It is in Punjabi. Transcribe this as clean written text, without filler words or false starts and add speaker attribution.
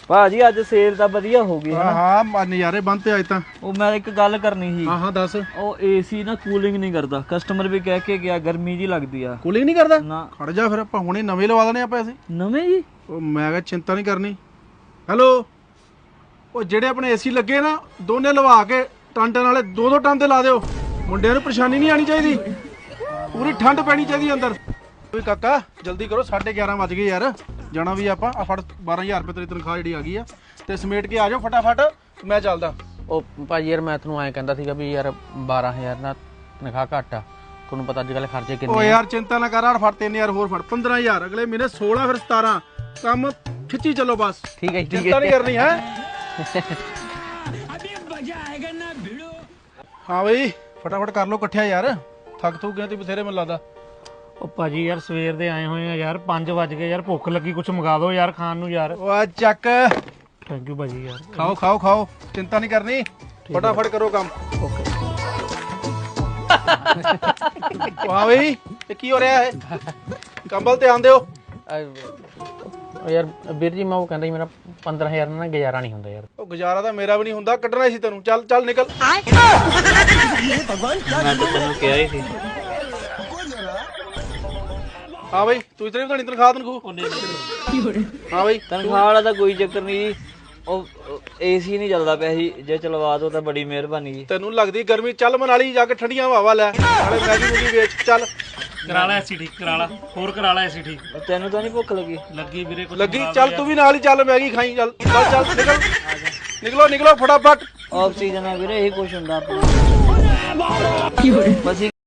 Speaker 1: ਭਾਜੀ ਅੱਜ ਸੇਲ ਤਾਂ ਵਧੀਆ ਹੋ ਗਈ ਹੈ।
Speaker 2: ਹਾਂ ਨਜ਼ਾਰੇ ਬੰਦ ਅੱਜ ਤਾਂ।
Speaker 1: ਉਹ ਮੈਂ ਇੱਕ ਗੱਲ ਕਰਨੀ ਸੀ।
Speaker 2: ਹਾਂ ਦੱਸ।
Speaker 1: ਉਹ ਏਸੀ ਨਾ ਕੂਲਿੰਗ ਨਹੀਂ ਕਰਦਾ, ਕਸਟਮਰ ਵੀ ਕਹਿ ਕੇ ਗਿਆ ਗਰਮੀ ਜੀ ਲੱਗਦੀ ਆ।
Speaker 2: ਕੂਲਿੰਗ ਨਹੀਂ ਕਰਦਾ?
Speaker 1: ਨਾ
Speaker 2: ਖੜ ਜਾ ਫਿਰ ਆਪਾਂ ਹੁਣੇ ਨਵੇਂ ਲਵਾ ਦਨੇ ਆਪਾਂ ਅਸੀਂ।
Speaker 1: ਨਵੇਂ ਜੀ?
Speaker 2: ਉਹ ਮੈਂ ਕਿਹਾ ਚਿੰਤਾ ਨਹੀਂ ਕਰਨੀ। ਹੈਲੋ, ਉਹ ਜਿਹੜੇ ਆਪਣੇ ਏਸੀ ਲੱਗੇ ਨਾ ਦੋਨੇ ਲਵਾ ਕੇ ਟਨ ਵਾਲੇ ਦੋ ਟਨ ਤੇ ਲਾ ਦਿਓ। ਮੁੰਡਿਆਂ ਨੂੰ ਪਰੇਸ਼ਾਨੀ ਨਹੀਂ ਆਣੀ ਚਾਹੀਦੀ, ਪੂਰੀ ਠੰਡ ਪੈਣੀ ਚਾਹੀਦੀ ਅੰਦਰ। ਓਏ ਕਾਕਾ ਜਲਦੀ ਕਰੋ, 11:30 ਵੱਜ ਗਏ ਯਾਰ, ਜਾਣਾ ਵੀ ਆਪਾਂ। ਆ ਫੜ 12000 ਰੁਪਏ ਤੇਰੀ ਤਨਖਾਹ ਜਿਹੜੀ ਆ ਗਈ ਆ, ਤੇ ਸਮੇਟ ਕੇ ਆ ਜਾਓ ਫਟਾਫਟ, ਮੈਂ ਚੱਲਦਾ।
Speaker 3: ਉਹ ਭਾਜੀ ਯਾਰ ਮੈਂ ਤੁਹਾਨੂੰ ਐਂ ਕਹਿੰਦਾ ਸੀਗਾ ਵੀ ਯਾਰ 12000 ਨਾਲ ਤਨਖਾਹ ਘੱਟ ਆ, ਤੁਹਾਨੂੰ ਪਤਾ ਅੱਜ ਕੱਲ੍ਹ ਖਰਚੇ ਕਿੰਨੇ।
Speaker 2: ਓ ਯਾਰ ਚਿੰਤਾ ਨਾ ਕਰ, ਫੜ 3000 ਹੋਰ ਫੜ, 15000 ਅਗਲੇ ਮਹੀਨੇ 16 ਫਿਰ 17। ਕੰਮ ਖਿੱਚੀ ਚੱਲੋ ਬਸ।
Speaker 3: ਠੀਕ ਹੈ ਠੀਕ
Speaker 2: ਚਿੰਤਾ ਨਹੀਂ ਕਰਨੀ ਹੈ। ਹਾਂ ਬਈ ਫਟਾਫਟ ਕਰ ਲਓ ਇਕੱਠਿਆ ਯਾਰ, ਥੱਕ ਥੂ ਗਏ ਤੇ ਬਥੇਰੇ ਮੈਨੂੰ ਲੱਗਦਾ।
Speaker 4: ਉਹ ਭਾਜੀ ਯਾਰ ਸਵੇਰ ਦੇ ਆਏ ਹੋਏ ਆ ਯਾਰ, 5 ਵਜ ਗਏ ਯਾਰ, ਭੁੱਖ ਲੱਗੀ, ਕੁਝ ਮੰਗਾ ਦਿਓ ਯਾਰ ਖਾਣ ਨੂੰ ਯਾਰ।
Speaker 2: ਓ ਚੱਕ,
Speaker 4: ਥੈਂਕ ਯੂ ਭਾਜੀ ਯਾਰ।
Speaker 2: ਖਾਓ ਖਾਓ ਖਾਓ, ਚਿੰਤਾ ਨਹੀਂ ਕਰਨੀ, ਫਟਾਫਟ ਕਰੋ ਕੰਮ।
Speaker 4: ਓਕੇ।
Speaker 2: ਹਾਂ ਬਈ ਇਹ ਕੀ ਹੋ ਰਿਹਾ ਹੈ? ਕੰਬਲ ਤੇ ਆਂਦੇ ਹੋ।
Speaker 3: ਉਹ ਯਾਰ ਵੀਰ ਜੀ ਮੈਂ ਉਹ ਕਹਿੰਦਾ ਸੀ ਮੇਰਾ 15000 ਨਾਲ ਗੁਜ਼ਾਰਾ ਨਹੀਂ ਹੁੰਦਾ ਯਾਰ।
Speaker 2: ਉਹ ਗੁਜ਼ਾਰਾ ਤਾਂ ਮੇਰਾ ਵੀ ਨਹੀਂ ਹੁੰਦਾ, ਕੱਢਣਾ ਸੀ ਤੈਨੂੰ। ਚੱਲ ਚੱਲ ਨਿਕਲ।
Speaker 1: ਮੈਂ ਤਾਂ ਤੈਨੂੰ ਕਿਹਾ ਹੀ ਸੀ।
Speaker 2: ਹਾਂ ਬਈ ਤੂੰ ਇਤਨੀ ਬਤਾਣੀ ਤਨਖਾਹ ਤਨਖੂ। ਹਾਂ ਬਈ
Speaker 1: ਤਨਖਾਹ ਵਾਲਾ ਤਾਂ ਕੋਈ ਚੱਕਰ ਨਹੀਂ ਜੀ, ਉਹ ਏਸੀ ਨਹੀਂ ਚੱਲਦਾ ਪਿਆ ਸੀ, ਜੇ ਚਲਵਾ ਦੋ ਤਾਂ ਬੜੀ ਮਿਹਰਬਾਨੀ ਜੀ।
Speaker 2: ਤੈਨੂੰ ਲੱਗਦੀ ਗਰਮੀ, ਚੱਲ ਮਨਾਲੀ ਜਾ ਕੇ ਠੰਡੀਆਂ ਹਵਾਵਾਂ ਲੈ, ਨਾਲੇ ਮੈਗੀ ਮੂਗੀ ਵੇਚ। ਚੱਲ
Speaker 4: ਕਰਾ ਲੈ ਐਸੀ ਠੀਕ, ਕਰਾ ਲੈ ਹੋਰ, ਕਰਾ ਲੈ ਐਸੀ ਠੀਕ।
Speaker 1: ਤੈਨੂੰ ਤਾਂ ਨਹੀਂ ਭੁੱਖ ਲੱਗੀ?
Speaker 4: ਲੱਗੀ ਵੀਰੇ ਕੁਝ
Speaker 2: ਲੱਗੀ, ਚੱਲ ਤੂੰ ਵੀ ਨਾਲ ਹੀ ਚੱਲ, ਮੈਗੀ ਖਾਈ। ਚੱਲ ਚੱਲ ਚੱਲ ਨਿਕਲ, ਨਿਕਲੋ ਨਿਕਲੋ ਫਟਾਫਟ।
Speaker 1: ਆਫ ਸੀਜ਼ਨ ਆ ਵੀਰੇ, ਇਹੀ ਕੁਛ ਹੁੰਦਾ ਆਪਣਾ। ਬਸ